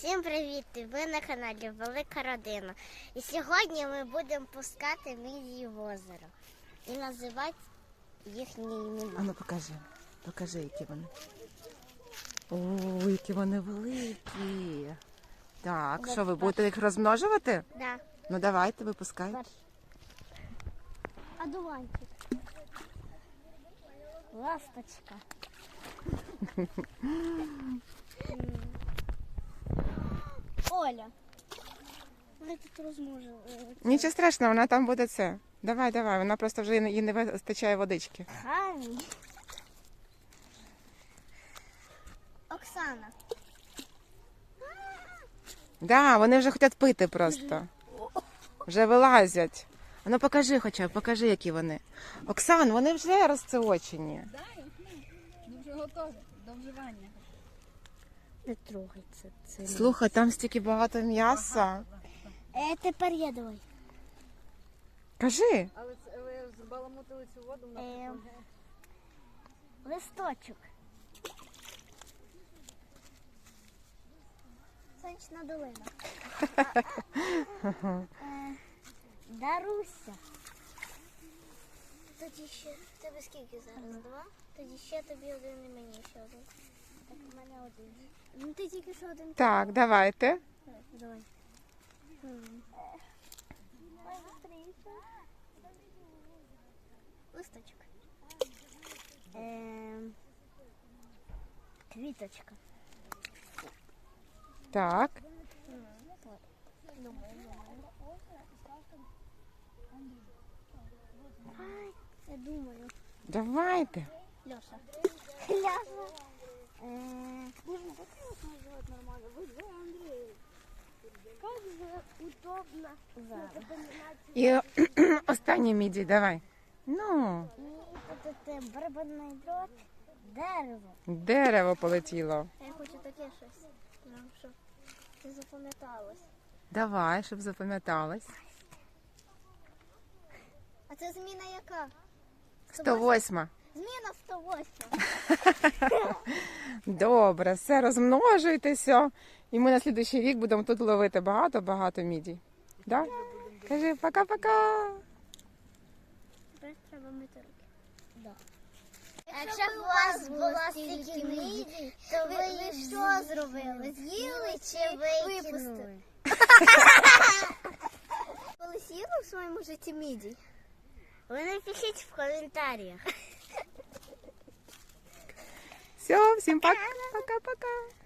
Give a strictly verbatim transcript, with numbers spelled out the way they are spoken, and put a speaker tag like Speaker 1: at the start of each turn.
Speaker 1: Всім привіт! Ви на каналі Велика Родина. І сьогодні ми будемо пускати мідії в озеро і називати їхні імена.
Speaker 2: А ну покажи, покажи, які вони. О, які вони великі. Так, що ви будете їх розмножувати?
Speaker 1: Да.
Speaker 2: Ну давайте, випускайте.
Speaker 1: Одуванчик. Ласточка. Оля. Вона тут розмножила.
Speaker 2: Нічого страшного, вона там буде це. Давай, давай, вона просто вже їй не вистачає водички.
Speaker 1: Хамі. Оксана.
Speaker 2: Да, вони вже хочуть пити просто. Вже вилазять. А ну покажи хоча б, покажи, які вони. Оксан, вони вже розцеочені.
Speaker 3: Да, ну вже готові до вживання.
Speaker 1: Не трогай це. це
Speaker 2: Слухай, там стільки багато м'яса.
Speaker 1: Е, тепер я давай.
Speaker 2: Кажи.
Speaker 3: Але це ви збаламутили цю воду на
Speaker 1: Е, листочок. Сонячна долина. Е, Даруся. Тоді ще тебе скільки зараз? Два? Тоді ще тобі один і мені ще один. Так, у мене один. Ну ти тільки що один.
Speaker 2: Так, давайте.
Speaker 1: Давай. Ой, быстрее. Листочок. Ем, Квіточка.
Speaker 2: Так.
Speaker 1: Ай, я думаю.
Speaker 2: Давайте.
Speaker 1: Леша. Леша. Эээ, Нужно как его назвать нормально? Вы же Андрей. Как же удобно запоминать.
Speaker 2: І останній мідій, давай. Ну,
Speaker 1: І тут це барабанний дрот, дерево.
Speaker 2: дерево полетіло.
Speaker 1: Я хочу таке щось, ну, щоб це запам'яталось.
Speaker 2: Давай, щоб запам'яталось.
Speaker 1: А це зміна яка?
Speaker 2: сто восьма.
Speaker 1: Зміна сто восьма.
Speaker 2: Добре, все, розмножуйтеся. І ми на слідуючий рік будемо тут ловити багато-багато мідій. Да? Кажи пока-пока.
Speaker 1: Тепер треба мити руки. Да. Якщо б у вас було стільки мідій, то ви, ви що зробили? З'їли чи випустили? Коли з'їли в своєму житті мідій? Ви напишіть в коментарях.
Speaker 2: Все, всім пока-пока.